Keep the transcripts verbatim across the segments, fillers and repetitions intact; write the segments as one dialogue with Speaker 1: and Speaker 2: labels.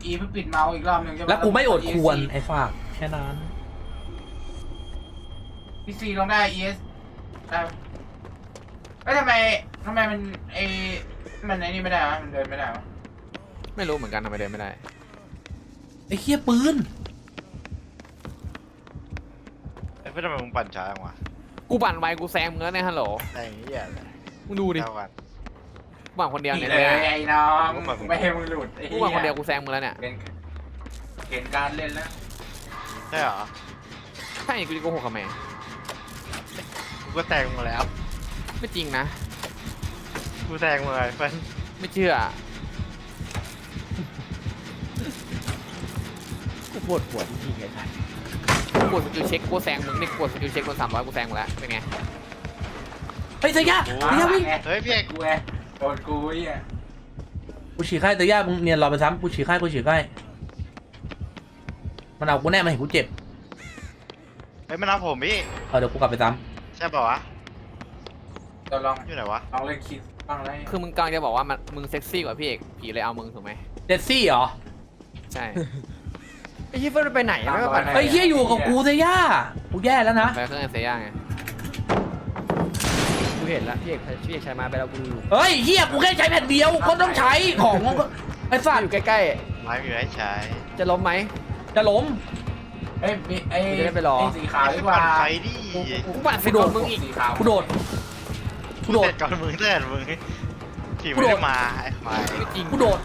Speaker 1: E เพื่อปิดเมาส์อีกรอบหนึ่งใช่ไหม
Speaker 2: แล้วกูไม่อดควรไอ้ฝากแค่นั้น
Speaker 1: พีซีลองได้ E S ได้เอ้ยทำไมทำไมมันไอ้มันไอ้นี่ไม่ได้วะมันเดินไม่ได้วะ
Speaker 3: ไม่รู้เหมือนกันทำไมเดินไม่ได้
Speaker 2: ไอ้เหี้ยปืน
Speaker 4: ไอ้เพื่อนทำไมมึงปั่นช้าจังวะ
Speaker 3: กูปั่นไวกูแซงมึงแล้วเนี่ยฮัลโหล
Speaker 4: ไอ้เหี้ยเลย
Speaker 3: มึงดูดิ
Speaker 4: เท่ากัน
Speaker 3: กูปั่นคนเดียว
Speaker 1: นี่
Speaker 3: เนี่ย
Speaker 1: เล
Speaker 3: เนี่ย
Speaker 1: ยไอ้น้อง
Speaker 4: กูมากู
Speaker 1: ไม่ให้มึงหลุดไอ้
Speaker 3: กู
Speaker 1: เหี้ย
Speaker 3: ปั่นคนเดียวกูแซงมึงแล้วเนี่ย
Speaker 1: เป็นเห็นการเล่นแล้ว
Speaker 4: ใช่เหรอ
Speaker 3: ใช่กูจะโกหกกับแม่
Speaker 4: กูก็แตงมาแล้ว
Speaker 3: ไม่จริงนะ
Speaker 4: กูแตงมาเลยเพื่อน
Speaker 3: ไม่เชื่อ
Speaker 5: กูปวดหัวจริงๆไอ้สัส
Speaker 3: กูกดสกิลเช็คกูแซงมึงนี่กูกดสกิลเช็คกูสามร้อยกูแซงมึงแล้วเป็นไง
Speaker 2: เฮ้ยเตย่า
Speaker 4: โอ้
Speaker 2: เตย่าวิ่ง
Speaker 4: เฮ้ยพี่เอก
Speaker 1: กูไงโดนกูไอ้เหี้ย
Speaker 2: กูฉีกไข้เตย่ามึงเนียนรอไปซ้ำกูฉีกไข้กูฉีกไข้มันเอากูแน่มาเห็นกูเจ็บ
Speaker 4: เฮ้ยมันเอาผมพี่
Speaker 2: เออเดี๋ยวกูกลับไปซ้
Speaker 4: ใช่ป่าวะ
Speaker 1: เราลอง
Speaker 4: อยู่ไหนวะ
Speaker 1: ลองเล่นคิดบ้างไร
Speaker 3: คือมึงกำลังจะบอกว่ามันมึงเซ็กซี่กว่าพี่เอกผีเลยเอามึงถูกไหม
Speaker 2: ำเจสซี่เหรอ
Speaker 3: ใช่
Speaker 5: ไอ้เหี้ยเฟิร์นไปไหนอะไม่มาปั่น
Speaker 2: เฮ้ยเฮียอยู่กับกูเตย่ากูแย่แล้วนะ
Speaker 3: ไปเครื่องเซย่าไง
Speaker 5: กูเห็นแล้วพี่เอกพี่เอกใช้มาไปแล้วกูดู
Speaker 2: เฮ้ยเฮียกูแค่ใช้แผ่นเดียวก็ต้องใช้ของไอ้สัต
Speaker 5: อ
Speaker 2: ว์
Speaker 5: ยู่ใกล้
Speaker 4: ไม้มีไว้ใช้
Speaker 5: ๆ จะล้มไหม
Speaker 2: จะล้ม
Speaker 1: เอ้ยมีไอ้
Speaker 5: กูจะได้ไปรอ
Speaker 1: ไอ้สีขาวดีกว่า
Speaker 4: ปั่นไฟดิ
Speaker 3: กูปั่นสิโดนมึงอีก
Speaker 1: สีขาว
Speaker 2: กูโดดกูโดด
Speaker 4: เสร็จก่อนมึงเสร็จมึงขี่ไม่ได้มาไอ้ควาย
Speaker 3: ไม่จริง
Speaker 2: กูโดด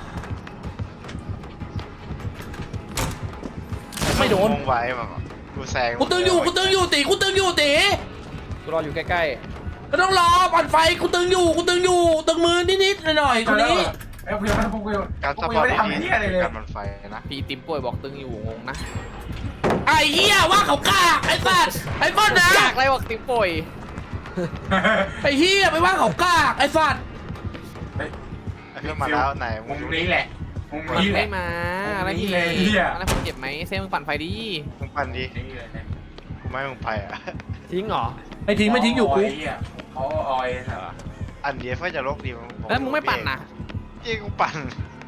Speaker 2: ไม่โดน
Speaker 4: งงไว้แบบกูแซง
Speaker 2: กูตึงอยู่กูตึงอยู่ตีกูตึงอยู่ตี
Speaker 5: กูรออยู่ใกล้
Speaker 2: ก็ต้องรอปั่นไฟกูตึงอยู่กูตึงอยู่ตึงมือนิดๆหน่อยๆคนนี้
Speaker 1: เอ้ยกูยังไม่พวกกูยัง
Speaker 4: การ
Speaker 1: พ
Speaker 4: ส
Speaker 1: วกกู
Speaker 4: ปอ
Speaker 1: ยัง
Speaker 4: ร์ต
Speaker 1: ไม่ได้ทำเหี้ยอะไรเลย
Speaker 4: การมันไฟนะ
Speaker 3: ผีติมป่วยบอกตึงอยู่งงนะ
Speaker 2: ไอ้เหี้ยว่าเขากล้าไอ้สัตว์ไอ้บ้านนะ
Speaker 3: อยากอะไรบอกติมป่วย
Speaker 2: ไอ้เหี้ยไปว่าเขากล้าไอ้สัตว์
Speaker 4: ไอ้เพื่อนมาแล้วไหน
Speaker 1: มุ
Speaker 4: มึ
Speaker 1: ม
Speaker 4: ง
Speaker 1: นี้แหละมุม
Speaker 3: ปั่น
Speaker 1: นี้แห
Speaker 3: ไม่
Speaker 1: ละ
Speaker 3: มาอะไร
Speaker 1: นี่
Speaker 3: พี่
Speaker 1: เลยเหี้ย
Speaker 3: อะไรผมเจ็บไหมเซ่มึงปั่นไฟดี
Speaker 4: มึงปั่นดิ
Speaker 1: นี่เลยเนี่ย
Speaker 4: กูไม่ให้มึงไปอ่ะ
Speaker 5: ๆ ทิ้งเหรอ
Speaker 2: ไม่ทิ้งไม่ทิ้งอยู่กู
Speaker 1: ไเหี้ยเขาออยนะ
Speaker 4: อันเดียวก็จะโลกดี
Speaker 3: แล้วมึงไม่ปั่นนะ
Speaker 4: เจ๊กูปั่น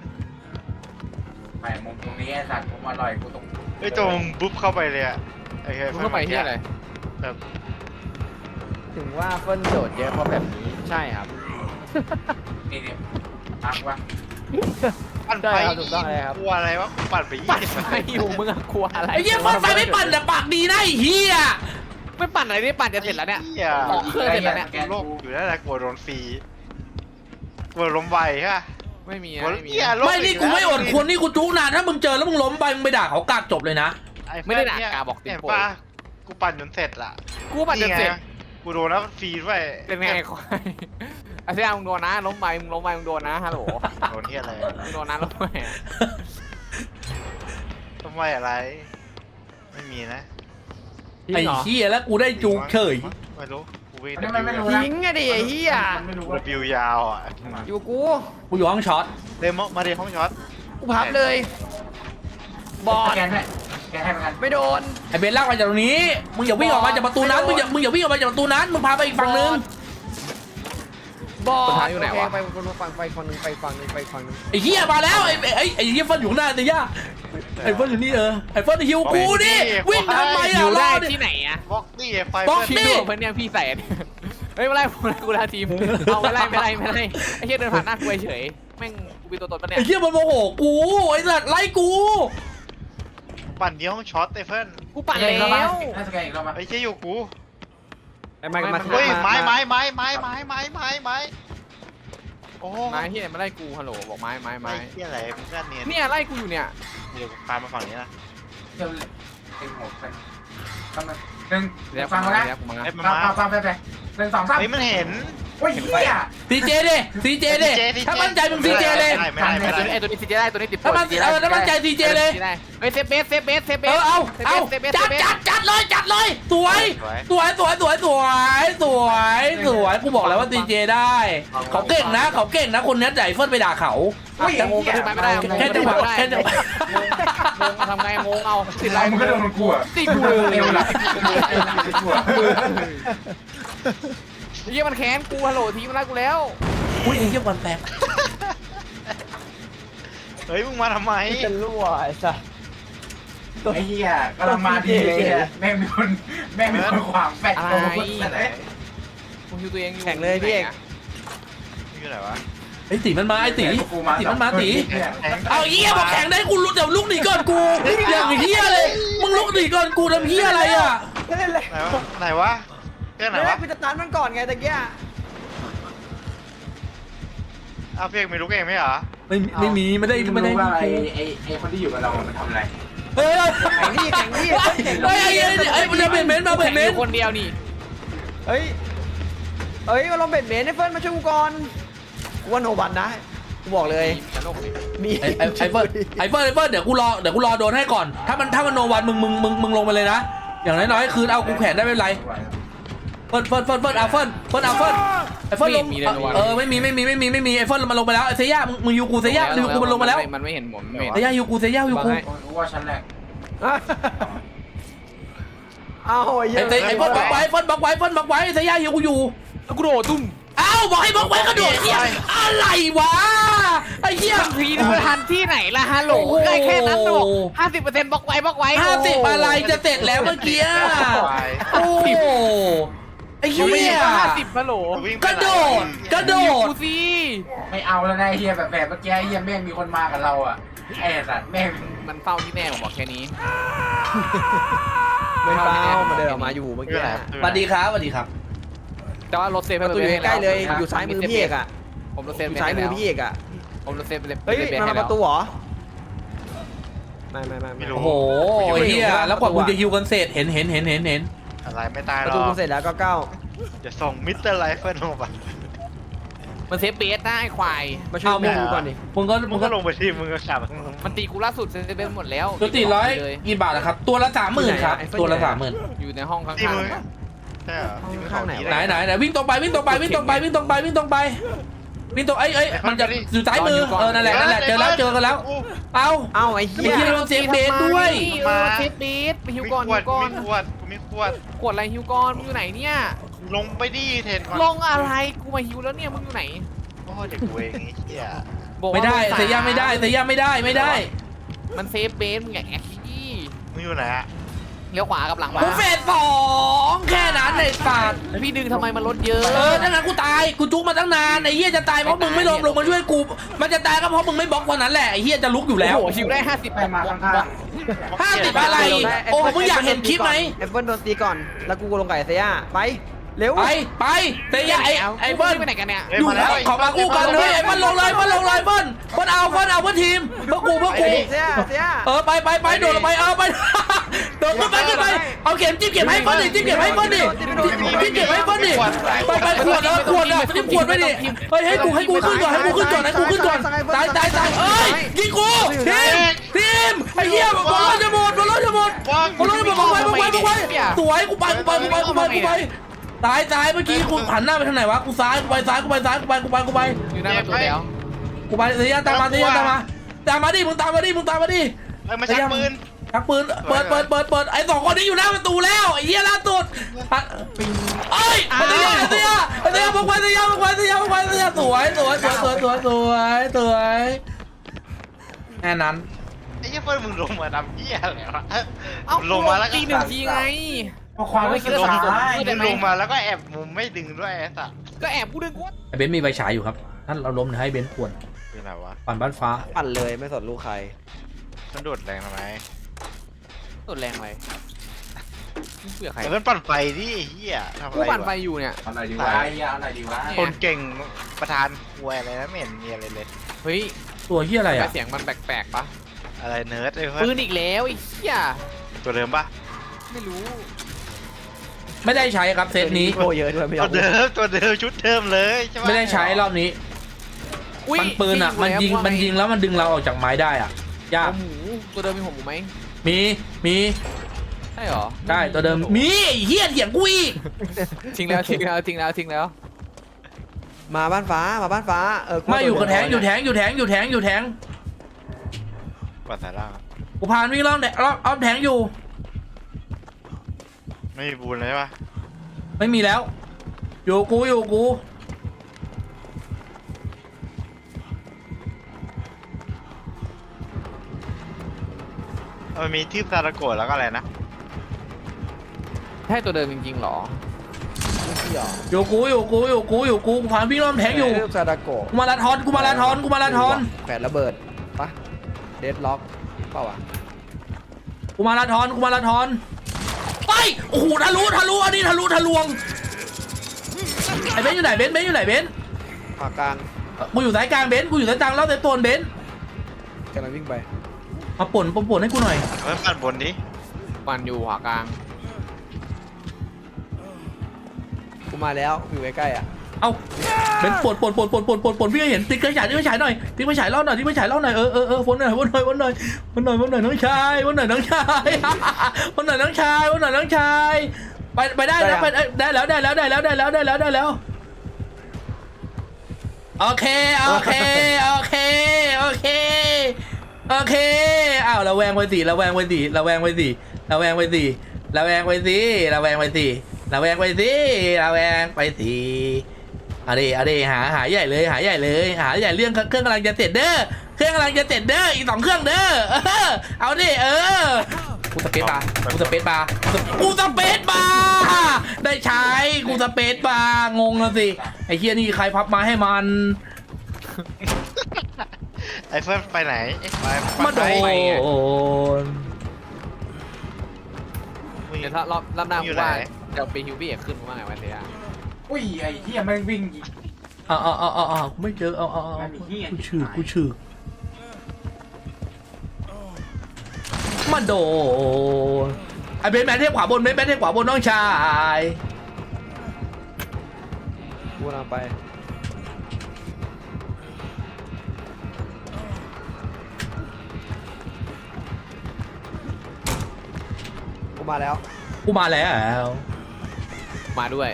Speaker 1: ไม่มุมตรงนี้ไอ้สัตว์มุมอร่อยกูตรง
Speaker 4: ไอ้ยตัวมึงบุ๊บเข้าไปเลยอ่ะไอ้เฮ้ย
Speaker 3: มึงเข้าไปที่อะไร
Speaker 4: แบบ
Speaker 5: ถึงว่าเฟิร์นโดดเยอะเพราะแบบนี้ใช่ครับ
Speaker 1: นี่เนี่ยอักวะ
Speaker 4: ปั่น
Speaker 5: ใช่
Speaker 4: ไป
Speaker 5: ครับถูกต้องเลยครับ
Speaker 4: กลัวอะไรวะกูปั่นไปยี่
Speaker 3: ปั่น
Speaker 4: สิบ
Speaker 3: ไฟอยู่มึงอะกลัวอะไร
Speaker 2: ไอ้เหี้ยบ้านไฟไม่ปั่นแต่ปากดีนะไอ้เหี้ย
Speaker 3: ไม่ปั่นอะไรนี่ปั่นจะเสร็จแล้วเนี่ย
Speaker 4: หี้
Speaker 3: ออกเครื่องเสร็จแล้วเนี่ย
Speaker 4: โลกอยู่นั่นแหละกลัวโดนฟรีกลัวล้มไวใช่ปะ
Speaker 3: ไม่มี
Speaker 4: กลัว
Speaker 3: ไม่มี
Speaker 4: เหี้ยโลก
Speaker 2: ไม่นี่กูไม่อดควรนี่กูจุกนานถ้ามึงเจอแล้วมึงล้มไปมึงไปด่าเขากากจบเลยนะ
Speaker 4: อ้
Speaker 3: ไม่ได้ด่า
Speaker 4: เพื่น
Speaker 3: กาบอกติม
Speaker 4: เห็น
Speaker 3: ป่วย
Speaker 4: ปะกูปั่นจนเสร็จละ
Speaker 3: กูปั่นจะเสร็จ
Speaker 4: ไงกูโดนแล้วฟรีด้วย
Speaker 3: เป็นไงควายไอ้เซ่มึงโดนนะล้มไปมึงล้มไปมึงโดนนะฮัลโหล
Speaker 4: โดนที่อะไร
Speaker 3: มึงโดนนะล้มไป
Speaker 4: ทำไมอะไร ไม่มีนะ
Speaker 5: ทิ้ง
Speaker 2: ไอ้
Speaker 5: เหรอ
Speaker 2: เหี้ยแล้วกูได้จุกเฉย
Speaker 4: ไม่รู้กูวิ่ง
Speaker 1: อันนี้มันไม่รู้นะ
Speaker 5: ทิ้งอะดิไอ้เหี้ย
Speaker 1: มันไม่รู้
Speaker 4: กู
Speaker 1: ว่า
Speaker 4: บิวยาวอ่ะ
Speaker 5: อยู่กู
Speaker 2: กูอยู่ห้องช็อต
Speaker 4: เดโมมาเดห้องช็อต
Speaker 5: กูพับเลย บอ
Speaker 1: ส
Speaker 5: ด
Speaker 1: แกนให้สแกนให้เหมือนกัน
Speaker 5: ไม่โดน
Speaker 2: ไอ้เบนลากมาจากตรงนี้มึงอย่าวิ่งออกมาจากประตูนั้นมึงอย่ามึงอย่าวิ่งออกมาจากประตูนั้นมึงพาไปอีกฝั่งนึง
Speaker 5: บอด
Speaker 3: สุดท้ายอยู่ไหนวะ
Speaker 5: โเคไปไปฝั่งไปฝั่งหนึงไปฝั่งหนึงไปฝั่งหนึง
Speaker 2: ไอ้เหี้ยมาแล้วไอ้ไอ้ไอ้เหี้ยเฟิร์นอยู่ข้างหน้าเตย่าไอ้เฟิร์นอยู่นี่เออไอ้เฟิร์นหิวกูดิวิ่งทำไม
Speaker 3: อ
Speaker 2: อ่ะ
Speaker 3: ยู่
Speaker 2: ร
Speaker 3: ได้
Speaker 2: อดิ
Speaker 3: ที่ไหนอะ
Speaker 4: บล็อกนี่ไฟ
Speaker 2: บล็อก
Speaker 4: เพื่อน
Speaker 3: พี่ดูเพื่อนเนี่ยพี่ใส่อันนี้เฮ้ยไม่ไล่ผมไล่กูลาทีมเอาไม่ไล่ไม่ไล่ไม่ไล่ไอ้เหี้ยเดินผ่านหน้ากูเฉยแม่งกูเป็นตัวตนปะเนี่ย
Speaker 2: ไอ้เหี้ยมันโมโหกูไอ้สัตว์ไล่กู
Speaker 4: ปั่นเดียวห้องช็อตไอ้เพื่อน
Speaker 3: กูปั่น
Speaker 1: สแก
Speaker 3: แล้
Speaker 1: อีกรอบ
Speaker 3: ว
Speaker 1: มาสแกนอีกรอบมา
Speaker 4: ไอ้เชี่ยอยู่กู
Speaker 5: ไอ้ไม้ก็มา
Speaker 4: เฮ้ย
Speaker 5: า
Speaker 4: ไม้ไม้ไม้ไม้ไม้ไม้ไม้ไม้โอ้
Speaker 3: ไม้ที่ไหนมาไล่กูฮัลโหลบอกไม้ไม้
Speaker 4: ไม้
Speaker 3: ไม้
Speaker 4: เชี่ยอะไรมึงก็เนียน
Speaker 3: เนี่ยไล่กูอยู่เนี่ย
Speaker 4: เดี๋ยวพามาฝั่งนี้นะ
Speaker 1: เดี๋ยวเต็มหมดไปทำไมหนึ่ง
Speaker 3: เดี๋ยว
Speaker 1: ฟัง
Speaker 3: มา
Speaker 1: มานะ
Speaker 3: เดี๋ยวกูมา
Speaker 4: ไอ้มา
Speaker 1: ฟัง
Speaker 4: มา
Speaker 1: ฟังฟังไปไปหนึ่งสองสาม
Speaker 4: เฮ้ยมันเห็น
Speaker 1: โอ้ยเหี้ย
Speaker 2: ซีเจดิซีเจดิ
Speaker 4: ซีเจ
Speaker 2: ถ้ามั่นใจมึงซีเจเลย
Speaker 4: ไม่ได้ไม่ได้
Speaker 3: ไอ้
Speaker 4: ไม่
Speaker 3: ตัว
Speaker 4: ได้
Speaker 3: นี้ไอ้ตัวนี้ซีเจได้ตัวนี้ติด
Speaker 2: ถ้ามันเออถ้ามั่นใจซีเจเลย
Speaker 3: เฮ้ยเซฟเบสเซฟเบสเซฟเบ
Speaker 2: เอ
Speaker 3: ส
Speaker 2: อเอาเอา
Speaker 3: เซฟเบส
Speaker 2: จัด
Speaker 3: เซฟเบส
Speaker 2: จัดจัดเลยจัดเลยสวยสวยสวยสวยสวยสวยสวยกูบอกแล้วว่าซีเจได้เขาเก่งนะเขาเก่งนะคนนี้ใจเฟิร์นไปด่าเขา
Speaker 1: โอ้ย
Speaker 3: จะงง
Speaker 1: เหี้ย
Speaker 3: ขึ้นไปไม่ได้
Speaker 2: แค่จังหวะแค่จังหวะ
Speaker 3: งงทำไงงงเอาติด
Speaker 1: ไร
Speaker 3: ไร
Speaker 1: มึงก็โดนกูอ่ะ
Speaker 3: ติดกูเลย
Speaker 1: เอวหลังติดกูอ่ะ
Speaker 3: เยี่ยมันแค้นกูฮัลโหลทีมันไล่กูแล้ว
Speaker 2: อุ้ยไอ้เหี้ยบอลแตก
Speaker 4: เฮ้ยมึงมาทำไม
Speaker 5: จะรั่วไอ้สัส
Speaker 1: ไอ้เหี้ยกำลังมาดีเลยอะแม่งมีคนแม่งมีคนขวางแฟด
Speaker 3: อะไร
Speaker 1: โกงแต่ไหน
Speaker 3: มึงคิวตัวเองอยู่
Speaker 5: แข่งเลยพี่เอก
Speaker 4: นี่คืออะไรวะ
Speaker 2: ไอ้ตีมันมาไอ้ตีตีมันมาตี
Speaker 1: เนี่ย
Speaker 2: เอาเฮียมาแข่งได้กูลุกเดี๋ยวลุกหนีก่อนกูอย่างเฮียเลยมึงลุกหนีก่อนกูทำเฮียอะไรอ่ะ
Speaker 5: ไม่เล่นเลย
Speaker 4: ไหนวะไหนวะเรื่องไหน
Speaker 5: ไม่ได้
Speaker 4: วะ
Speaker 5: กูจะตันมันก่อนไงตะเกีย
Speaker 4: เอาเพียงไม่รู้เองไหมเหรอ
Speaker 2: ไม่ไม่มีไม่ได้
Speaker 1: ไม่
Speaker 2: ไม่ได้
Speaker 1: รู้ว่าไอ้ไอ้ไอ้คนที่อยู่กับเรามันทำอะไร
Speaker 2: เฮ้ย
Speaker 5: แข่งนี่แข่งนี่
Speaker 2: เฮ้ยไอ้ไอ้ไอ้มันจะเป็นเม้นมาเป็นเม้น
Speaker 3: คนเดียวนี่
Speaker 5: เฮ้ยเฮ้ยมาลงเบ็ดเมนให้เฟิร์นมาช่วยกูก่อนกูว่าโนบันนะกูบอกเลย
Speaker 3: จะโลกเลย
Speaker 5: มี
Speaker 2: ไอ้ไอ้ไอ้เฟิร์นไอ้เฟิร์นไอ้เฟิร์นเดี๋ยวกูรอเดี๋ยวกูรอโดนให้ก่อนถ้ามันถ้ามันโนวันมึงมึงมึงมึงลงไปเลยนะอย่างน้อยๆคืนเอากูแขวนได้ไม่เป็นไรเฟิร์นเฟิร์นเฟิร์นเฟิร์นเอาเฟิร์นเฟิร์นเอาเฟิร์นไอ้เฟิร์นลงเออไม่มีไม่มีไม่มีไม่มีไอ้เฟิร์นมันลงไปแล้วไอ้เซย่ามึงมึงยูกูเซย่ายูกูมันลงมาแล้ว
Speaker 3: มันไม่เห็นผมไม่เห็น
Speaker 2: เซย่ายูกูเซย่ายูกู
Speaker 1: รู้ว่าฉันแหละ
Speaker 5: เอาไอ้เหี้
Speaker 2: ไอ้
Speaker 5: ย
Speaker 2: เซไอ้เฟิร์นบล็อกไว้เฟิร์นบล็อกไว้เฟิร์นบล็อกไว้เซย่ายูกูอยู่
Speaker 3: กูโดดตุ้ม
Speaker 2: เอ้าบอกให้บล็อกไว้กระโดดเฮียอะไรวะไอ้เหี้ย
Speaker 3: มันพีดูทันที่ไหนล่ะฮัลโหลใกล้แค่นั้นหรอกห้าสิบเปอร์เซ็นต์บล็อกไว้บล็อกไว้
Speaker 2: ห้าสิบอะไรจะเสร็จแล้วเมื่อกี้โอ้ไอ้เหี้
Speaker 3: ไม่
Speaker 2: ย
Speaker 3: ห้าสิบฮัลโหล
Speaker 4: วิ่งไป
Speaker 2: กระโดดกระโด
Speaker 3: กู
Speaker 2: ด
Speaker 3: สิ
Speaker 1: ไม่เอาแล้วนะไอ้เหี้ยแบบแบบเมื่อกี้ไอ้เหี้ยแม่งมีคนมากับเราอ่ะไอ้สัตว์แม่ง
Speaker 3: มันเฝ้าที่แม่ผมบอกแค่นี้
Speaker 5: ไม่เปล่ามาเดินออกมาอยู่เมื่อ
Speaker 4: คือ
Speaker 5: กี้
Speaker 4: อะไร
Speaker 2: สวัสดีครับสวัสดีครับ
Speaker 3: แต่ว่ารถเซฟ
Speaker 5: ประตูอยู่ใกล้เลยอยู่ซ้ายมือพี่เอกอ่ะ
Speaker 3: ผมรถเซ
Speaker 5: อ
Speaker 3: ฟ
Speaker 5: ยู่ซ้ายมือพี่เอกอ่ะ
Speaker 3: ผมรถเซฟไปเลย
Speaker 5: เฮ้ยมาประตูเหรอไม่ไม่ไม่
Speaker 2: โอ้โหเฮียแล้วกว่าคุณจะฮิวกันเสร็จเห็นเห็นเห็นเห็นเห็น
Speaker 4: อะไรไม่ตายห
Speaker 5: ป
Speaker 4: ร
Speaker 5: ระ
Speaker 4: อ
Speaker 5: ตู
Speaker 4: ก
Speaker 5: กูเสร็จแล้วก็เก้า
Speaker 4: จะส่งมิสเตอร์ไลฟ์เฟิร์นลงไป
Speaker 3: มันเซฟเบสนะไอ้ควาย
Speaker 5: มาช่วยมึงดูก่อนดิ
Speaker 2: มึงก็
Speaker 4: มึ
Speaker 2: มึ
Speaker 4: ง
Speaker 2: ง
Speaker 4: ก็
Speaker 2: ก็
Speaker 4: ลงไปที่มึงก็ขับ
Speaker 3: มันตีกูล่าสุดเซฟเบสหมดแล้ว
Speaker 2: จุติร้อยกี่บาทนะครับ ตัวละสามหมื่นครับ ตัวละสามหมื่น
Speaker 3: อยู่ในห้องข้าง
Speaker 4: ที่มึง
Speaker 3: ๆ
Speaker 4: ใช่เหรอที่มึงเข้าหนี
Speaker 2: ไหนไหนไหนวิ่งตรงไปวิ่งตรงไปวิ่งตรงไปวิ่งตรงไปวิ่งตรงไปวิ่งตรงไอ้ไอ้มันจะอยู่ซ้ายมือเออนั่นแหละนั่นแหละเจอแล้วเจอกันแล้วเอา
Speaker 5: เอ้าไอ้
Speaker 2: เมื่
Speaker 5: เหี้
Speaker 2: อย กี้เราเซฟเบสด้วย
Speaker 3: เออเซฟเบสไปฮิว
Speaker 4: มี
Speaker 3: ก่อน
Speaker 4: ขว
Speaker 3: ฮิ
Speaker 4: ด
Speaker 3: วก่อน
Speaker 4: มีขวดมีขวด
Speaker 3: ขวดอะไรฮิวก่อนมึงอยู่ไหนเนี่ย
Speaker 4: ลงไปดิเทนก่อน
Speaker 3: ลงอะไรกูมาฮิวแล้วเนี่ยมึงอยู่ไหน
Speaker 4: โอ้เด็กเวงไอ้เหี้ย
Speaker 3: บอกว่า
Speaker 2: ไม่ได้
Speaker 3: ลงส
Speaker 2: เสียยาไม่ได้เสียยาไม่ได้ไม่ได้
Speaker 3: มันเซฟเบสมึงอย่าแอคที่
Speaker 4: มึงอยู่ไหนอะ
Speaker 3: เลี้ยวขวากับหลังมา
Speaker 2: กูเฟสสองแค่นั้นไอ้สัตว์
Speaker 3: พี่ดึงทำไมมันลดเยอะ
Speaker 2: เออถ้างั้นกูตายกูจุกมาตั้งนานไอ้เหี้ยจะตายเพราะมึงไม่ลงลงมาช่วยกูมันจะตายก็เพราะมึงไม่บล็อกวันนั้นแหละไอ้เหี้ยจะลุกอยู่แล้ว
Speaker 3: โอ้โหฮิวได้ห้าสิบ
Speaker 1: ไปมาข้าง
Speaker 2: ห้าสิบอะไรโอ้มึงอยากเห็นคลิปไหม
Speaker 5: แอปเปิลโดนตีก่อนแล้วกูลงไก่เซียไปเร็ว
Speaker 2: ไปไปเสียยาไอ้ไอ้เบิ้ล
Speaker 3: ไปไหนกันเนี่ย
Speaker 4: เฮ้ย
Speaker 2: อยู่
Speaker 4: มาแล้ว
Speaker 2: ขอมาคู่กันเลยไอ้เบิ้ลลงเลยเบิ้ลลงเลยเบิ้ลเบิ้ลเอาเบิ้ลเอาเพื่อทีมเพื่อกูเพื่อ
Speaker 5: ไป
Speaker 2: กู
Speaker 5: ดิเซียเซีย
Speaker 2: เออไปไปไปโดดลงไปเออไปโดดขึ้นไปขึ้นไปเอาเข็มจิ้มเก็บให้เบิ้ลดิจิ้มเก็บให้เบิ้ลดิจิ้มเก็บให้เบิ้ลดิไปไปขวดเออขวดอ่ะจิ้มขวดไปดิเฮ้ยให้กูให้กูขึ้นก่อนให้กูขึ้นก่อนให้กูขึ้นก่อนตายตายตายเอ้ยยิงกูทีมทีมไอ้เหี้ยบอลเราจะหมดบอลเราจะหมดบอลเราจะหมดบอกไว้บอกไว้บอกไว้สวยกูไปกูไปกูไปกูไปกูไปตายตายเมื่อกี้กูหันหน้าไปทางไหนวะกูซ้ายกูไปซ้ายกูไปซ้ายกูไปกูไปกูไป
Speaker 3: อยู่หน้าประตูแล้ว
Speaker 2: กูไปเสียตามมาเสียตามมาตามมาดิมึงตามมาดิมึงตามมาดิ
Speaker 4: เอ้ยมาชักปืน
Speaker 2: ชักปืนเปิดเปิดเปิดเปิดไอ้สองคนนี้อยู่หน้าประตูแล้วไอ้เหี้ยล่าสุดเอ้ยเสียเสียเสียพวกไปเสียพวกไปเสียพวกไปเสียสวยสวยสวยสวยสวยสวยสวยแค่นั้น
Speaker 4: ไอ้เหี้ยเฟิร์นมึงลงมาทำเหี้ยอะไรวะ
Speaker 3: เอ้า
Speaker 4: ลงมาแล้วก็
Speaker 3: ตีหนึ่งทีไง
Speaker 1: พอความไม่คิด
Speaker 4: ลง
Speaker 1: ซ้าย
Speaker 4: มึงลงมาแล้วก็แอบมุมไม่ดึงด้วยไอ้สัส
Speaker 3: ก็แอบกูดึงกู
Speaker 2: ไอ้เบนซ์มีใบฉายอยู่ครับท่านเราล้มให้เบนซ์ขวด
Speaker 4: เป็นไรวะ
Speaker 2: ปั่นบ้านฟ้า
Speaker 5: ปั่นเลยไม่สนลูกใคร
Speaker 4: มันโดดแรงทำไม
Speaker 3: สุดแรงไปเผื่อใคร
Speaker 4: เฟิร์นปั่นไฟดิไอ้เหี้ยทำอะ
Speaker 3: กู
Speaker 4: ไร
Speaker 3: ปั่นไฟ
Speaker 4: วะ
Speaker 3: อยู่เนี่ย
Speaker 1: เอาหน่อยดีวะไอ้เหี้ยเอาหน่อยดีวะ
Speaker 4: คนเก่งประธานควยอะไรนะไม่เห็นมีอะไรเลย
Speaker 3: เฮ้ย
Speaker 2: ตัวเหี้ยอะไรอ่ะ
Speaker 3: เสียงมันแปลกๆปะ
Speaker 4: อะไรเนิร์ดไอ้
Speaker 3: ปื
Speaker 4: เฟิร์
Speaker 3: น
Speaker 4: น
Speaker 3: อีกแล้วไอ้เหี้ย
Speaker 4: ตัวเดิมปะ
Speaker 3: ไม่รู้
Speaker 2: ไม่ได้ใช้ครับเซตนี้
Speaker 5: โกเยอะด้วยไม่
Speaker 4: ตั
Speaker 5: เอา
Speaker 4: วเดิมตัวเดิมชุดเดิมเลยใช่ปะ
Speaker 2: ไม่ได้ใช้รอบนี้
Speaker 3: อุ้ย
Speaker 2: มันปืนอ่ะมันยิงมันยิงแล้วมันดึงเราออกจากไม้ได้อ่ะยาก
Speaker 3: หัวหมูตัวเดิมมีหัวหมูไหม
Speaker 2: มีมี
Speaker 3: ใช่หรอ
Speaker 2: ได้ตัวเดิมมีไอ้เฮียเถียงกูอีก
Speaker 3: ทิ้งแล้วทิ้งแล้วทิ้งแล้วทิ้งแล้ว
Speaker 5: มาบ้านฟ้ามาบ้านฟ้าเออ
Speaker 2: มาอยู่กับแทงอยู่แทงอยู่แทงอยู่แทงอยู่แทง
Speaker 4: ปัดสายล่าง
Speaker 2: กูพานวิ่งรอบแทงรอบรอบแทงอยู่
Speaker 4: ไม่มีบูนเลยใช่ปะ
Speaker 2: ไม่มีแล้ว อยู่กูอยู่กู
Speaker 4: มันมีทืบซาตะโกะแล้วก็อะไรนะ
Speaker 3: ใช่ตัวเดิมจริงๆหรอ
Speaker 5: ไม่หรอ
Speaker 2: อยู่กูอยู่กูอยู่กูอยู่กูกูผ่านวิ่งรอบแทงอยู่
Speaker 5: เรื่องซาดาโกะ
Speaker 2: กูมาราธอนกูมาราธอนกูมาราธอน
Speaker 5: แขวนระเบิดปะเดดล็อกเปล่าวะ
Speaker 2: กูมาราธอนกูมาราธอนไปโอ้โหทะลุทะลุอันนี้ทะลุทะลวงไอ้เบนซ์อยู่ไหนเบนซ์เบนซ์อยู่ไหนเบนซ์
Speaker 5: ขวากลาง
Speaker 2: กูอยู่สายกลางเบนซ์กูอยู่สายกลางแล้วแต่ตัวเบนซ์
Speaker 5: กำลังวิ่งไป
Speaker 2: มาป่นป่นป่นให้กูหน่อย
Speaker 4: เฮ้ยปั่นบนดิ
Speaker 3: มันอยู่ขวากลาง
Speaker 5: กูมาแล้วอยู่ใกล้ๆอ่ะ
Speaker 2: เอาเบนซ์ป่นป่นป่นป่นป่นป่นป่นพี่ให้เห็นติ๊กไฟฉายติ๊กไฟฉายหน่อยติ๊กไฟฉายเล่าหน่อยติ๊กไฟฉายเล่าหน่อยเออเออเออวนหน่อยวนหน่อยวนหน่อยวนหน่อยวนหน่อยน้องชายวนหน่อยน้องชายวนหน่อยน้องชายวนหน่อยน้องชายไปไปได้แล้วไปได้แล้วได้แล้วได้แล้วได้แล้วได้แล้วได้แล้วโอเคโอเคโอเคโอเคโอเคอ้าวระแวงไปสิระแวงไปสิระแวงไปสิระแวงไปสิระแวงไปสิระแวงไปสิระแวงไปสิระแวงไปสิเอาดิเอาดิหาหาใหญ่เลยหาใหญ่เลยหาใหญ่เรื่องเครื่องกำลังจะเสร็จเด้อเครื่องกำลังจะเสร็จเด้ออีกสองเครื่องเด้อเออเอาดิเออกูสเปซบาร์กูสเปซบาร์กูสเปซบาร์ได้ใช้กูสเปซบาร์งงแล้วสิไอ้เฮียนี่ใครพับมาให้มัน
Speaker 4: ไอ้เฟิร์นไปไหนไป
Speaker 2: มาโด
Speaker 4: ไป
Speaker 2: น
Speaker 3: เดี๋ยวถ้ารอบรอบหน้ากูว่าจะไปฮิวบี้ขึ้นว่าไงวะเสีย
Speaker 1: อุ้ยไอ้เหี้ยแม่งวิ่งอีก
Speaker 2: อ่าอ่าอ่าอ่าไม่เจอเอาเอาเอากูชื่อกูชื่อมาโดนไอ้เบนแมนเทพขวาบนเบนแมนเทพขวาบนน้องชาย
Speaker 5: กูกำลังไปกูมาแล้ว
Speaker 2: กูมาแล้ว
Speaker 3: มาด้วย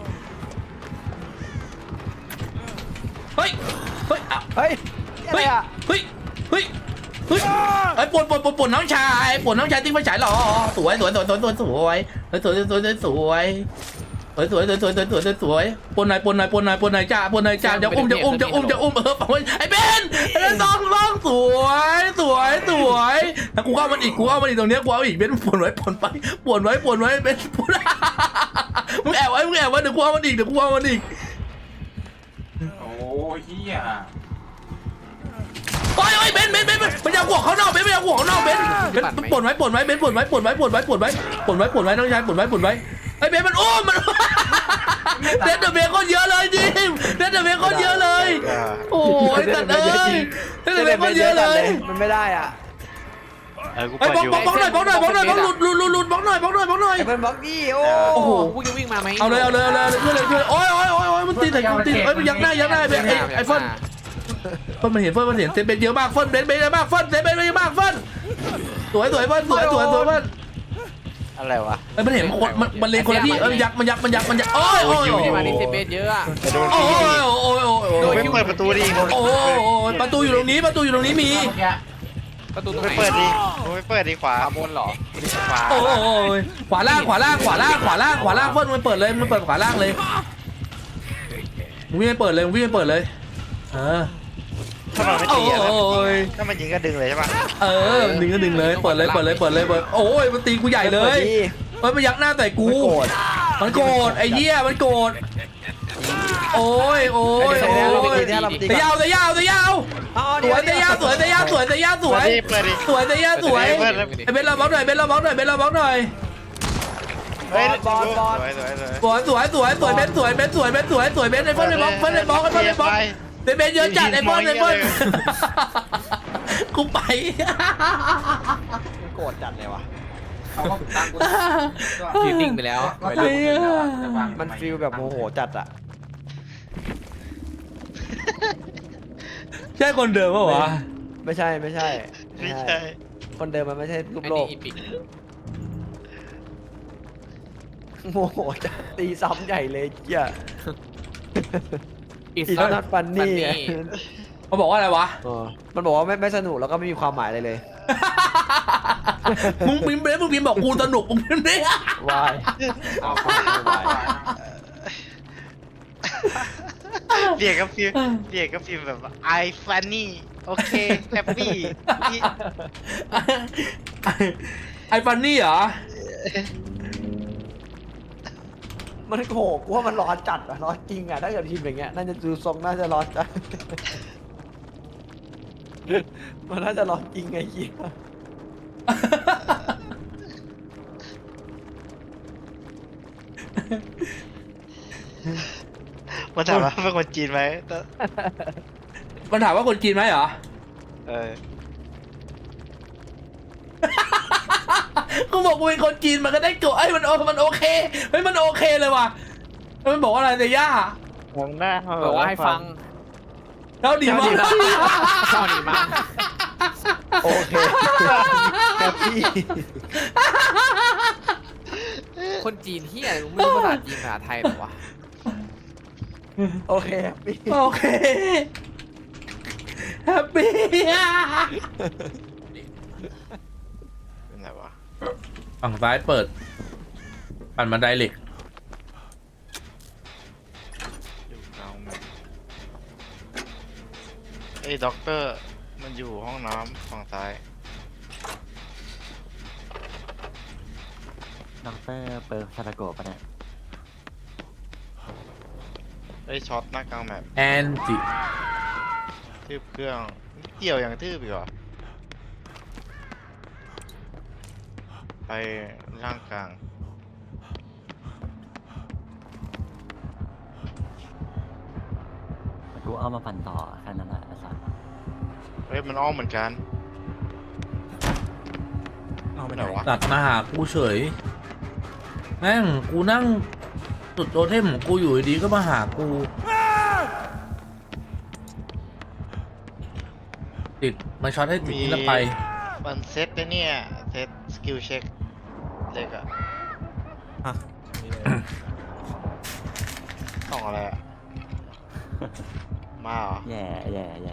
Speaker 2: เฮ้ยเฮ้ยอ่ะ
Speaker 5: เฮ้ยอะไร
Speaker 2: เฮ้ย
Speaker 5: อ่ะ
Speaker 2: เฮ้ยเฮ้ยเฮ้ยไอ้ปวดปวดปวดปวดน้องชายปวดน้องชายติ้งไฟฉายหรอสวยสวยสวยสวยสวยสวยสวยสวยสวยสวยสวยสวยสวยสวยสวยสวยสวยปนหน่อยปนหน่อยปนหน่อยปนหน่อยจ้าปนหน่อยจ้าจะอุ้มจะอุ้มจะอุ้มจะอุ้มเออไอ้เบนไอ้สองสองสวยสวยสวยแล้วกูเอามันอีกกูเอามันอีกตรงเนี้ยกูเอาอีกเบนปนไว้ปนไปปนไว้ปนไว้เบนปนมึงแอบไว้มึงแอบไว้เดี๋ยวกูเอามันอีกเดี๋ยวกูเอามันอีก
Speaker 1: โอ้ยเหี้ย
Speaker 2: โอ้ยโอ้ยเบนเบนเบนมันอยากหัวเขานอกเบนมันอยากหัวเขานอกเบนเบนปนไว้ปนไว้เบนปนไว้ปนไว้ปนไว้ปนไว้ปนไว้ปนไว้น้องชายปนไว้ปนไว้ไอ้เบนมันโอ้มันเดนเดอร์เบนคนเยอะเลยจริงเดนเดอร์เบนคนเยอะเลยโอ้ยสัตว์เอ้ยเดนเดอร์เบนคนเยอะเลย
Speaker 5: มันไม่ได้อ่ะ
Speaker 4: เออกู
Speaker 2: ไอ้
Speaker 4: เปิด
Speaker 2: บล็อก
Speaker 4: อยู่
Speaker 2: บล็อกบล็อกหน่อยบล็อกหน่อยบล็อกหน่อยบล็อกหลุดหลุดหลุดหลุดบล็อกหน่อยบล็อกหน่อยบล็อกหน่อย
Speaker 5: ไอ้เปิ้ลบล็อกดี้โอ้
Speaker 2: โอ้โห
Speaker 3: กูจะวิ่งมาไหม
Speaker 2: เอาเลยเอาเลยเอาเลยช่วยเลยช่วยโอ้ยโอ้ยโอ้ยโอ้ยมันตีแต่ตีเอ้ยมันยักหน้ายักหน้าไอ้ไอ้เฟิร์นเฟิร์นมันเห็นเฟิร์นมันเห็นเซนเบนเยอะมากเฟิร์นเบนเบนเยอะมากเฟิร์นเซนเบนเยอะมากเฟิร์นสวยสวยเฟิร์นสวยสวยสวยเฟิร์น
Speaker 4: อะไรวะ
Speaker 2: เอ้ยมันเห็นคนมันมันเลงคนละที่เอ้ยยักมันยักมันยักมันยักโอ้ยโอ้ย
Speaker 3: อ
Speaker 2: โอ้
Speaker 3: ยู่
Speaker 2: ย
Speaker 3: ที่มาดิเซเบสเยอะอะ
Speaker 4: จะโดน
Speaker 2: โอ้
Speaker 4: ฟรี
Speaker 2: ยโอ้ยโอ้ยโอ้ย
Speaker 4: ไม่เปิดประตูดิ
Speaker 2: โอ้ยประตูอยู่ตรงนี้ประตูอยู่ตรงนี้มี
Speaker 1: เมื่อกี้
Speaker 3: ประตูตรง
Speaker 4: ไม่
Speaker 3: ไหน
Speaker 4: เปิดดิไม่เปิดดิขวา
Speaker 3: ขวาบนเหรอ
Speaker 4: ขวา
Speaker 2: โอ้ยขวาล่างขวาล่างขวาล่างขวาล่างขวาล่างเฟิร์นมันเปิดเลยมันเปิดขวาล่างเลยมึงวิ่งไปเปิดเลยมึงวิ่งไปเปิดเลยเออ
Speaker 4: ถ้ามันไม่
Speaker 2: โอ้
Speaker 4: ตีอะนะ
Speaker 2: ย
Speaker 4: ถ้ามันยิงก็ดึงเลยใช่ปะ
Speaker 2: เออดึงก็ดึงเลยเปิดเลยเปิดเลยเปิดเลยเปิดโอ้ยมันตีกูใหญ่เลยเฮ้ยมันยักหน้าใส่กูมันโกรธไอ้เหี้ยมันโกรธโอ้ยโอ้ยโอ้ยแต่ยาวแต่ยาวแต่ยาว
Speaker 5: อ๋อ
Speaker 2: ส
Speaker 5: เดี๋ยว
Speaker 2: วยแต่ยาวสวยแต่ยาวสวยแต่ยาวสวย
Speaker 4: เปิดดิ
Speaker 2: สวยแต่ยาวสวยไอ้เบนเราบล็อกหน่อยเบนเราบล็อกหน่อยเบนเราบล็อกหน่อย
Speaker 4: เฮ้ยสวยสวยสวย
Speaker 2: สวยสวยสวยสวยเบนสวยเบนสวยเบนสวยสวยเบนไอ้เฟิร์นไอ้บล็อกเฟิร์นไอ้บล็อกไอ้เฟิร์นไอ้บล็อกเบนเบนเยอะจัดไอ้เฟิร์นไอ้เฟิร์นกูไป
Speaker 5: โกรธจัดเลยวะ
Speaker 1: เขาก็ตามกู
Speaker 3: ยืนนิ่งไปแล้ว
Speaker 1: ก็ตามกูแล้วอะแต่วาง
Speaker 5: มันฟีลแบบโมโหจัดอ่ะ
Speaker 2: ใช่คนเดิมปะวะ
Speaker 5: ไม่ใช่ไม่ใช่
Speaker 4: ไม่ใช่
Speaker 5: คนเดิมมันไม่ใช่รูป
Speaker 3: ไอ้
Speaker 5: โล
Speaker 3: นี่
Speaker 5: ก
Speaker 3: อีปิก
Speaker 5: โมโหจัดตีซ้ำใหญ่เลยเจ้า
Speaker 3: อี
Speaker 5: อีนอตฟันนี่
Speaker 2: เขาบอกว่าอะไรวะ
Speaker 5: มันบอกว่าไม่ไม่สนุกแล้วก็ไม่มีความหมายอะไรเลย
Speaker 2: มึงพิมพ์ไปมึงพิมพ์บอกกูสนุกมึงพิมพ์ดิ
Speaker 5: วายเอาความไม่วาย
Speaker 4: เรียกกับฟิล์มเรียกกับฟิล์มแบบ I funny โอเคแฮปปี้
Speaker 2: ไอฟันนี่เหรอ
Speaker 5: มันโหกว่ามันร้อนจัดอะร้อนจริงอะถ้าเกิดพิมพ์อย่างเงี้ยน่าจะดูทรงน่าจะร้อนจัด มันน่าจะร้อนจริงไงเหี้ย
Speaker 4: มันถามว่าเป็นคนจีนไหมแต่
Speaker 2: มันถามว่าคนจีนไหมเหรอ
Speaker 4: เออ
Speaker 2: กูบอกกูเป็นคนจีนมันก็ได้โกรธไอ้ยมันโอมันโอเคเฮ้ยมันโอเคเลยว่ะแล้วมันบอกว่าอะไรเตย่า
Speaker 6: มองหน้า
Speaker 3: บอกว่าให้ฟัง
Speaker 2: เท่าดีมาก
Speaker 3: เท่าดีมาก
Speaker 5: โอเคแฮปปี้
Speaker 3: คนจีนเฮียอะไรมึงไม่รู้ภาษาจีนภาษาไทยหรอวะ
Speaker 5: โอเคแฮปปี้
Speaker 2: โอเคแฮปปี้
Speaker 4: เป็นไงวะ
Speaker 2: ฝั่งซ้ายเปิดปั่นบันไดเหล็ก
Speaker 4: อยู่กลางแบบไอ้ด็อกเตอร์มันอยู่ห้องน้ำฝั่งซ้าย
Speaker 6: ด็อกเตอร์เปิร์ซาตาโกะปะเนี่ย
Speaker 4: ไอ้ช็อตหน้ากลางแมป
Speaker 2: แอนจิ
Speaker 4: ทืบเครื่องเกี่ยวอย่างทืบอีกเหรอไปล่างกลาง
Speaker 6: กูเอามาปั่นต่อแค่นั้นแหละไอ้สัส
Speaker 4: เฮ้ยมันอ้อมเหมือนกัน
Speaker 5: เอาไป
Speaker 4: ไห
Speaker 5: ไห
Speaker 4: น
Speaker 5: น
Speaker 4: วะ
Speaker 2: ตัดมาหากูเฉยแม่งกูนั่งจุดโตเทมของกูอยู่ดีๆก็มาหากูติดมาช็อตให้ติดนี่แล้วไป
Speaker 4: มันเซตไอ้เนี่ยเซตสกิลเช็คเล็กอะต้องอะไรอะมาเหรอ
Speaker 6: แย่แย่แย่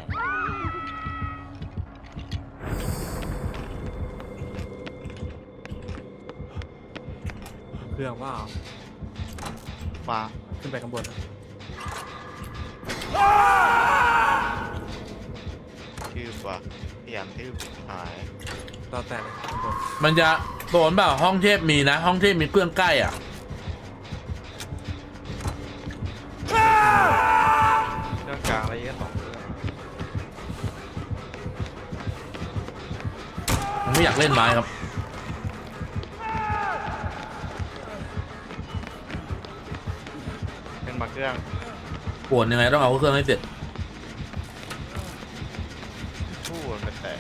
Speaker 5: เครื่องว่า
Speaker 4: มา
Speaker 5: ขึ้นไปข้างบน
Speaker 4: ทืบว่ะพยายามทืบหาย
Speaker 5: ต่อแต่ข้างบน
Speaker 2: มันจะโดนเปล่าห้องเทพมีนะ ห้องเทพมีเครื่องใกล้อ่ะ
Speaker 4: เรื่องกลางอะไรเยอะสองเรื่อง
Speaker 2: ผมไม่อยากเล่นไม้ครับ
Speaker 4: เป็นมาเครื่อง
Speaker 2: ปวดยังไงต้องเอาเครื่องให้เสร็จ
Speaker 4: ทู่มันเป็นแตก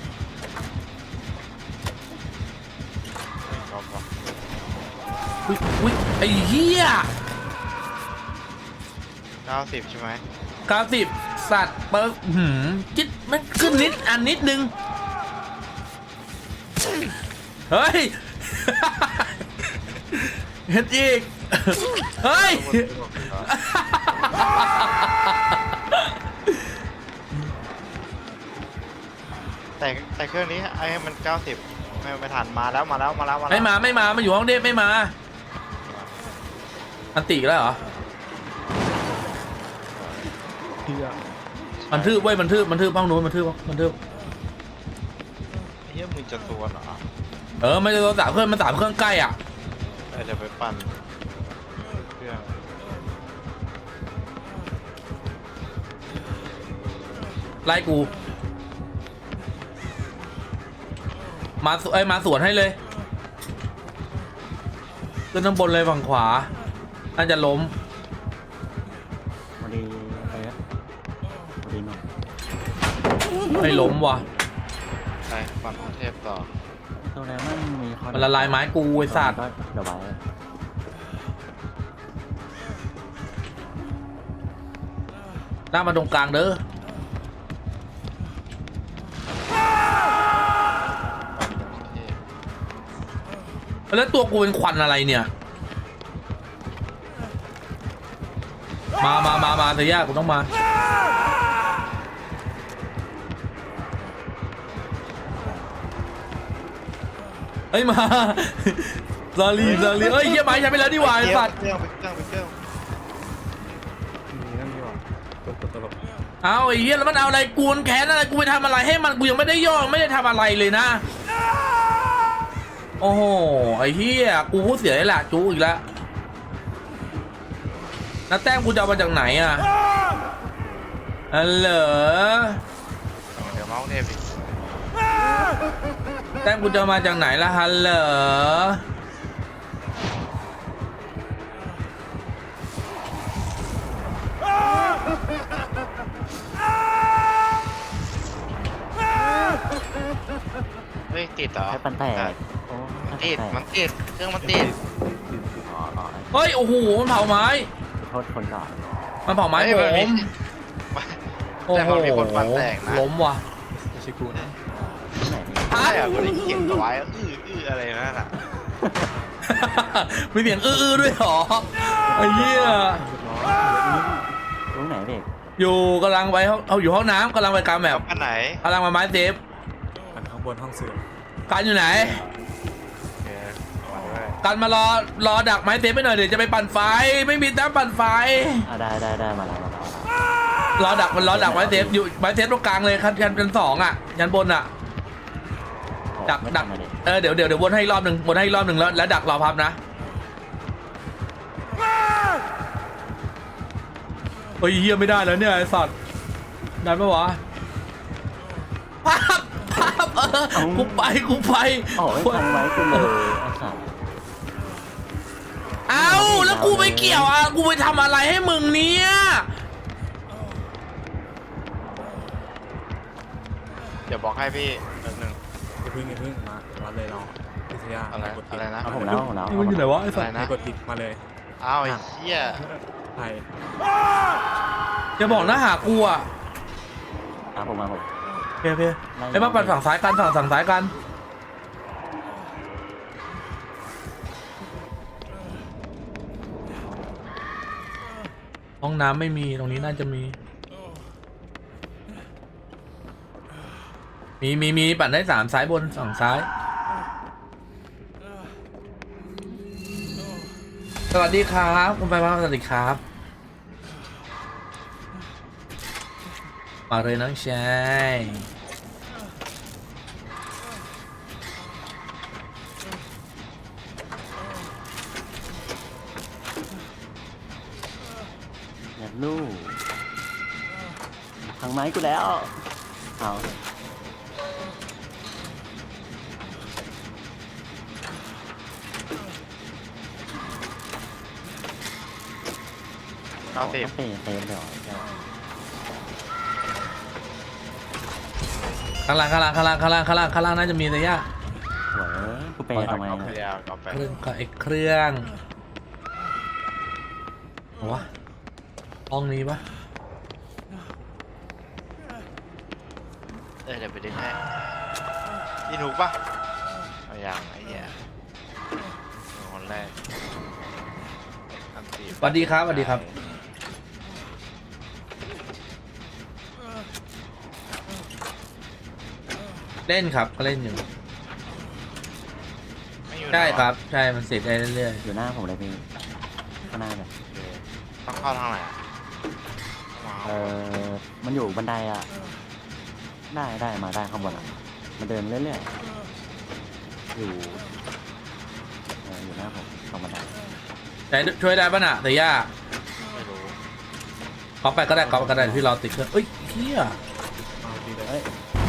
Speaker 4: ไม่ชอบว่ะ
Speaker 2: อุ้ยอุ้ยไอ้เหี้ย
Speaker 4: เก้าสิบใช่ไหม
Speaker 2: เก้าสิบสัตว์เปิร์หืมจิตมันขึ้นนิดอันนิดนึง เฮ้ย เห็นอีก เฮ้ย
Speaker 4: แต่แต่เครื่องนี้ไอ้มันเก้าสิบไม่ไม่ทันมาแล้วมาแล้วมาแล้วมาแล้ว
Speaker 2: ไม่มาไม่มามาอยู่ห้องเทพไม่มา อันติแล้วเหรอ
Speaker 5: เพื่อ
Speaker 2: มันทืบเว้ยมันทืบมันทืบห้องนู้นมันทืบมันทืบ
Speaker 4: ไอ้เหี้ยมึงจะตัวเหรอ
Speaker 2: เออไม่ใช่ตัวสามเครื่องมันสามเครื่องใกล้อ่ะ
Speaker 4: ไอ้เดี๋ยวไปปั่นเครื่อง
Speaker 2: ไล่กู มาสไอ้ยมาสวนให้เลยขึ้นข้างบนเลยฝั่งขวาน่าจะล้ม
Speaker 6: วันดีอะไรอะวันดีหนุ่ม
Speaker 2: ไม่ล้มว่ะ
Speaker 4: ไปปั่นของเทพต่อ
Speaker 6: ตัวแล้วมันมีคอน
Speaker 2: มันละลายไม้กูไอ้สัตว์
Speaker 6: ก็เดี๋ยวไว้
Speaker 2: หน้ามาตรงกลางเด้อ
Speaker 4: เทพ
Speaker 2: แล้วตัวกูเป็นควันอะไรเนี่ย มามามามาเสียยากกูต้องมา เฮ้ยมาซาลีซาลีเอ้ยเยี่ยไม้ใช้ไปแล้วดีกว่าไอ้สัตว์
Speaker 4: เครื่องไปเครื่องไปเครื่อง
Speaker 5: มีนั่นนี่หว่าตัวตลก
Speaker 2: เอาไอ้เหี้ยแล้วมันเอาอะไรกูนแค้นอะไรกูไปทำอะไรให้มันกูยังไม่ได้ย่อไม่ได้ทำอะไรเลยนะโอ้โหไอ้เหี้ยกูพูดเสียเลยแหละจูอีกแล้วแล้วแต้มกูจะเอามาจากไหนอ่ะอันเหรอ
Speaker 4: เดี๋ยวเมาส์เทพอีก
Speaker 2: แต้มกูจะเอามาจากไหนล่ะฮัลเหรอ
Speaker 4: เฮ้ยติดเหรอ
Speaker 6: แค่ปันแตกโอ้
Speaker 4: มัน
Speaker 6: แค่
Speaker 4: ติด
Speaker 6: ปันแตก
Speaker 4: มันติดเครื่องมันติด
Speaker 6: อ๋ออ๋อ
Speaker 2: เฮ้ยโอ้โหมันเผาไม้
Speaker 6: โทษคนก่อน
Speaker 2: มันเผาไม้
Speaker 4: เฮ้ย
Speaker 2: ผ
Speaker 4: มันมี
Speaker 2: มโอ้
Speaker 4: แต่
Speaker 2: โห
Speaker 4: มันมีคนฟันแตกนะ
Speaker 2: ล้มว่ะ
Speaker 6: ที่ไหนนี่
Speaker 4: ใช่อะคนที่เขียนเอาไว้อื้ออื้ออะไรนั่นอ่ะ
Speaker 2: มีเสียงอื้อๆด้วยเหรอไอ้เหี้ย
Speaker 6: รู้ไหนเด็ก
Speaker 2: อยู่กำลังไปห้องเอาอยู่ห้องน้ำกำลังไปกลางแบบ
Speaker 4: อันไหน
Speaker 2: กำลังมาไม้เซฟ
Speaker 7: อันข้างบนห้องเสือ
Speaker 2: กันอยู่ไหน
Speaker 4: โอเคมาด้วย
Speaker 2: กันมารอรอดักไม้เซฟไปหน่อยเดี๋ยวจะไปปั่นไฟไม่มีแต้มปั่นไฟ
Speaker 6: อ่ะได้ได้ได้มาแล้วมาแล้ว
Speaker 2: รอดักมันรอดักไม้เซฟอยู่ไม้เซฟตรงกลางเลยคันคันชั้นสองอ่ะชั้นบนอ่ะ ดักดักเออเดี๋ยวเดี๋ยวเดี๋ยววนให้อีกรอบหนึ่งวนให้อีกรอบหนึ่งแล้วแล้วดักรอพับนะเฮ้ยเฮียไม่ได้แล้วเนี่ยไอ้สัตว์ได้ปะวะพับพับเออกูไปกูไป
Speaker 6: โอ้ยพันไว้กูเลยไอ้สัตว์
Speaker 2: เอาแล้วกูไปเกี่ยวอ่ะกูไปทำอะไรให้มึงเนี่ย
Speaker 4: เดี๋ยวบอกให้พี่แป๊บนึง
Speaker 7: อย่าเพึ่งอย่าเพึ่งมามาเลยเราพิทยา
Speaker 4: อะไร
Speaker 7: กดผิด
Speaker 4: อะไรนะ
Speaker 6: เอาผมแล้วเอาผมแล้ว
Speaker 2: นี่มันอยู่ไหนวะไอ้สั
Speaker 4: อะ
Speaker 2: ต
Speaker 4: ไร
Speaker 2: ว์
Speaker 4: นะ
Speaker 7: กดผิดมาเลย
Speaker 4: อ้าวไอ้เหี้ย
Speaker 7: ไทย
Speaker 2: จะบอกนะหากูอ่ะ
Speaker 6: เอาผมมาผม
Speaker 2: เพียเพียไอ้มาปั่นฝั่งซ้ายกันฝั่งฝั่งซ้ายกันห้องน้ำไม่มีตรงนี้น่าจะมี มีมีมีปั่นได้สามซ้ายบนฝั่งซ้าย สวัสดีครับคุณไปมาสวัสดีครับมาเลยน้องชาย
Speaker 6: อย่าลู่พังไม้กูแล้วเอา
Speaker 4: เก้าสิบ
Speaker 6: เปย์เปย์เดี๋ยว
Speaker 2: ข้างล่างข้างล่างข้างล่างข้างล่างข้างล่างข้างล่างน่าจะมีระยะ
Speaker 6: สวยกูเปย์ทำไม
Speaker 4: เอาไปยาวเอาไป
Speaker 2: เครื่องกับไอ้เครื่องเอาวะห้องนี้ปะ
Speaker 4: เออเดี๋ยวไปดึงให้พี่ถูกปะเอาอย่างไอ้เหี้ยคนแรกอันตี
Speaker 2: สวัสดีครับสวัสดีครับเล่นครับก็เล่นอยู่
Speaker 4: ไม่อยู่
Speaker 2: ใช่
Speaker 4: ไหนวะ
Speaker 2: ครับใช่มันเสร็จได้เรื่อย
Speaker 6: อยู่หน้าผมเลยพี่ข้างหน้าเลย
Speaker 4: โอเคต้องเข้าทางไหนอะต้อง
Speaker 6: เอ
Speaker 4: มา
Speaker 6: อมันอยู่บันไดอ่ะได้ได้มาได้ข้างบนอ่ะมันเดินเรื่อยๆอยู่เอออยู่หน้าผมตรงบันได
Speaker 2: ๆแต่ช่วยได้ปะน่ะแต่ย่า
Speaker 4: ไม่รู้
Speaker 2: ก๊อปไปก็ได้ก๊อปไปก็ได้พี่รอติดเครื่องเอ้ยเฮีย
Speaker 7: เอาดีเลย
Speaker 6: เอ้ย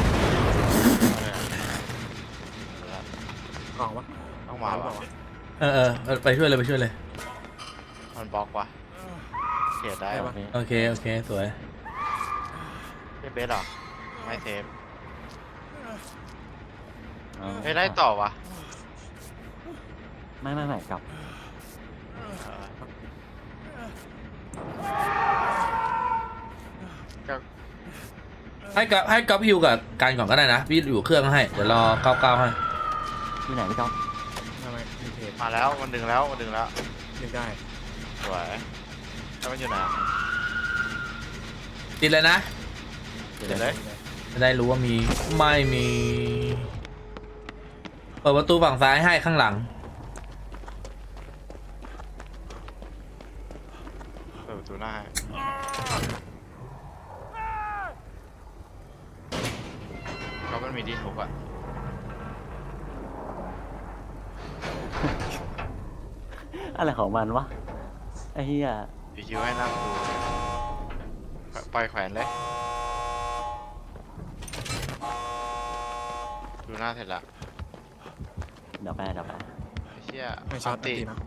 Speaker 7: กล่องวะ
Speaker 4: ต้องมา
Speaker 7: หรือเป
Speaker 4: วะ
Speaker 7: ล่าวะ
Speaker 2: เออเออเออไปช่วยเลยไปช่วยเลย
Speaker 4: มันบล็อกวะเขียนได้
Speaker 6: โอ
Speaker 4: ปะ
Speaker 6: เค
Speaker 2: โอเคโอเคสวย
Speaker 4: เบสเหรอไม่เทป
Speaker 6: เอา
Speaker 4: เฮ้ยไล่ต่อวะ
Speaker 6: ไม่ไม่ไม่กลับ
Speaker 4: เออก็
Speaker 2: ให้กับให้ก๊อปฮิวกับการก่อนก็ได้นะพี่อยู่เครื่องให้เดี๋ยวรอเก้าเก้าให้
Speaker 6: ที่ไหนพี่ก๊อฟ
Speaker 7: ไม่ไม่มีเพจ
Speaker 4: มาแล้วมันดึงแล้วมันดึงแล้ว
Speaker 7: ยังได้
Speaker 4: สวยแล้วมันอยู่ไหนอะ
Speaker 2: ติดเลยนะ
Speaker 4: เดี๋ยวเลย
Speaker 2: จะได้รู้ว่ามีไม่มีเปิดประตูฝั่งซ้ายให้ข้างหลัง
Speaker 4: เปิดประตูหน้าให้เขามันมีดีทุกอะ
Speaker 6: อะไรของมันวะไอ้เหี้ย
Speaker 4: คิวให้นั่งดูปล่อยแขวนเลยดูหน้าเสร็จละ
Speaker 6: เดี๋ยวไปเดี๋ยวไป
Speaker 4: ไอ้เชี่ย
Speaker 7: ไม่ช็อต
Speaker 4: ตี
Speaker 7: ตีนะ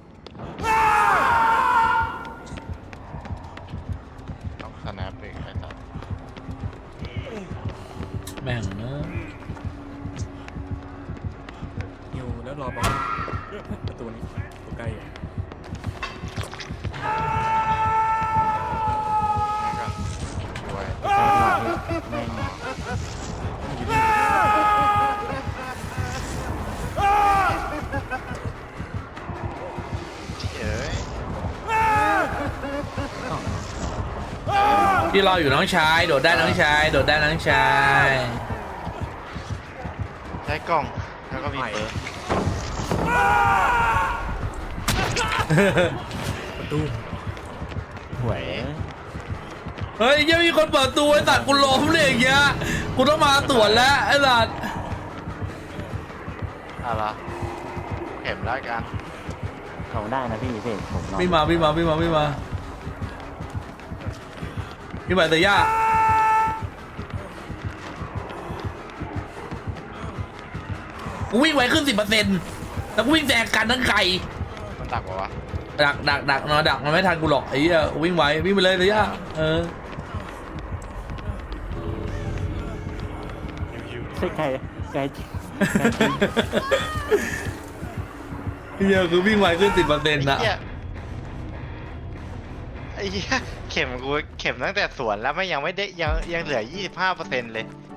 Speaker 4: ต้องสแนปเองใครตัด
Speaker 2: แม่งเนอะ
Speaker 7: ฮิวแล้วรอประประตูนี้ตัวใกล้อยู่
Speaker 4: นี่ก่อนด้วย
Speaker 6: แม่ง
Speaker 4: เอ้ย
Speaker 2: พี่รออยู่น้องชายโดดได้น้องชายโดดได้น้องชาย
Speaker 4: ใช้กล่องแล้วก็มีเปิร์
Speaker 7: ประตู
Speaker 6: หวย
Speaker 2: เฮ้ยยังมีคนเปิดตัวไอ้สัตว์กูล้มเลยอย่างเงี้ยกูต้องมาตรวจแล้วไอ้สัตว์
Speaker 4: อะไรเข็มแล้วกัน
Speaker 6: เขาได้นะพี่พี่ผมลอง
Speaker 2: ไม่มาไม่มาไม่มาไม่มาพี่ใบเตย่ากูวิ่งไวขึ้นสิบเปอร์เซ็นต์แล้วกูวิ่งแซงกันทั้งไก่
Speaker 4: มันดักปะวะ
Speaker 2: ดักดักดักนอนดักมันไม่ทันกูหรอกไอ้เหี้ยวิ่งไววิ่งไปเลยเตย่าเออ
Speaker 4: ยิว
Speaker 6: ใช่ไกลไกลจริง
Speaker 2: เหี้ยคือวิ่งไวขึ้นสิบเปอร์เซ็นต์
Speaker 4: ๆ
Speaker 2: นะ
Speaker 4: ไอ้เหี้ยไอ้เหี้ยเข็มกูเข็มตั้งแต่สวนแล้วไม่ยังไม่ได้ยังยังเหลือ ยี่สิบห้าเปอร์เซ็นต์ เลย